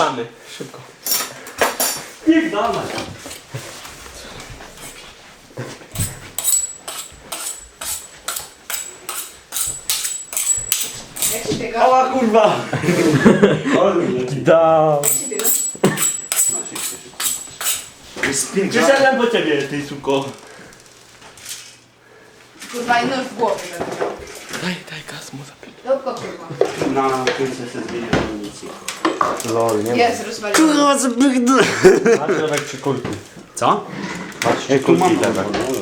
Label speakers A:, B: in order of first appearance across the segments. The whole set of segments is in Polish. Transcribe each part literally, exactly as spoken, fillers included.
A: Spierdalamy. Szybko.
B: Spierdalaj.
C: Jak się biega?
B: Ała kurwa.
D: Dał.
C: Jak się biega?
B: Spierdalaj.
A: Przyszedłem po ciebie, ty suko.
C: Kurwa, i nóż w głowie będę miał.
A: Daj, daj gaz mu zapić.
C: Dobra, kurwa.
B: Na końcu się zmienię amunicję.
D: Lol, nie ma.
C: Jest, rozwaliłem.
B: zapychnę.
D: Masz Lewek przy kulki.
B: Co?
D: Masz przy kulki Lewek.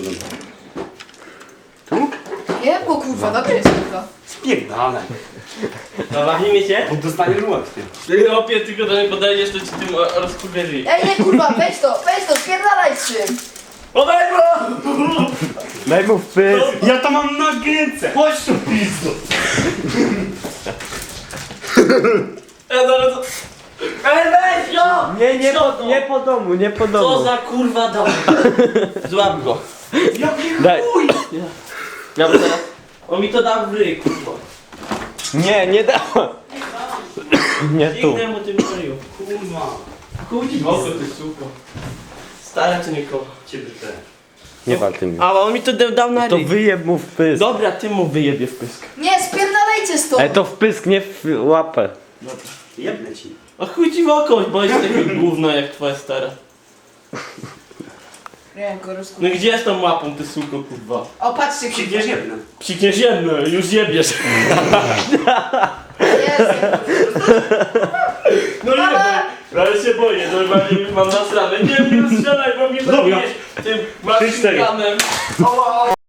B: Tu?
C: Nie, bo kurwa, dobry jest kurwa.
B: Spierdalaj.
A: Zabawimy się?
B: Bo dostaniesz łatwiej.
A: Ty opie, tylko do mnie podejdziesz, to ci tym o- rozkurwieli.
C: Ej, nie kurwa, weź to, weź to, spierdalaj z czym.
A: Podaj go!
D: Daj mu wpysk.
B: Ja to mam na gęce. Chodź tu pizdo.
A: Ej, zaraz... Ej, weź go!
D: Nie, nie
A: Co
D: po,
A: to?
D: nie po domu, nie po domu.
A: Co za kurwa dom? Złap go.
B: Jaki
D: Daj.
B: chuj.
A: Ja bym teraz... On mi to dał w ryj, kurwa.
D: Nie, nie dała. Nie tu.
A: Pięknę mu tym ryju.
B: Kurwa.
A: Chuj ci w oko, ty suko. Stara czy nie kocha?
B: Ciebie też.
D: Nie wal tym.
A: A on mi to dał- dał na
D: To
A: ryj.
D: wyjeb mu wpysk.
A: Dobra, ty mu wyjebie w pysk.
C: Nie, spierdalajcie stąd.
D: Ale to wpysk, nie w łapę.
B: Jebnę ci.
A: A chuj ci w oko, bo jest takie gówno jak twoja stara.
C: Nie, go
A: No
C: rozkurwa.
A: gdzie jest tą łapą, ty suko, kurwa?
C: O, patrzcie, kurwa.
B: Przyjdziesz jebnę.
A: Psikniesz jedno, już jebiesz.
C: Jest.
A: No nie, no, ale się boję, normalnie już mam nasrane. Nie, nie strzelaj, bo mnie zabijesz tym
B: Trzy, cztery.
A: maszynkanem.